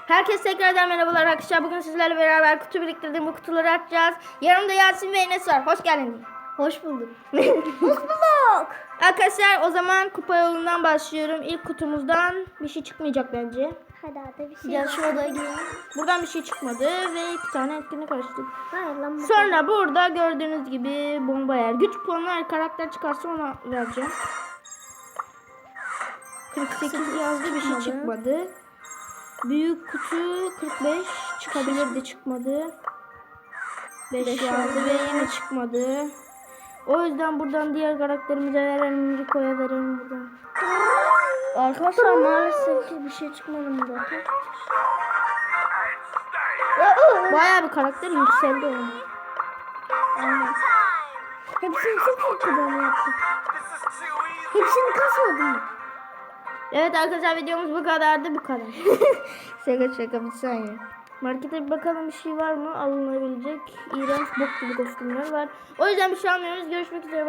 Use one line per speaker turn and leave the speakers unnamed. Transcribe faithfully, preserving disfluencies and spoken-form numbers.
Herkese tekrardan merhabalar arkadaşlar. Bugün sizlerle beraber kutu biriktirdiğim bu kutuları açacağız. Yanımda Yasin ve Enes var. Hoş geldiniz.
Hoş bulduk. Hoş bulduk.
Arkadaşlar o zaman kupa yolundan başlıyorum. İlk kutumuzdan bir şey çıkmayacak bence.
Hadi hadi bir şey.
Gel şu odaya girelim. Buradan bir şey çıkmadı ve iki tane etkinlik açtık.
Hayır lan.
Sonra burada gördüğünüz gibi bomba yer. Güç puanı her karakter çıkarsa ona vereceğim. kırk sekiz yazdı, bir şey çıkmadı. Büyük kutu kırk beş çıkabilirdi, çıkmadı. beş yazdı ve yine çıkmadı. O yüzden buradan diğer karakterimize verelim, Rico'ya verelim buradan.
Arkadaşlar maalesef ki bir şey çıkmadı burada.
Bayağı bir karakter yükseldi onun.
Aynen. Hepsini sıfır kullanı yaptık. Hepsini kasmadım mı?
Evet arkadaşlar, videomuz bu kadardı, bu kadar. şaka şaka bir saniye. Markete bir bakalım, bir şey var mı alınabilecek. İğrenç bok gibi kostümler var. O yüzden bir şey almıyoruz. Görüşmek üzere.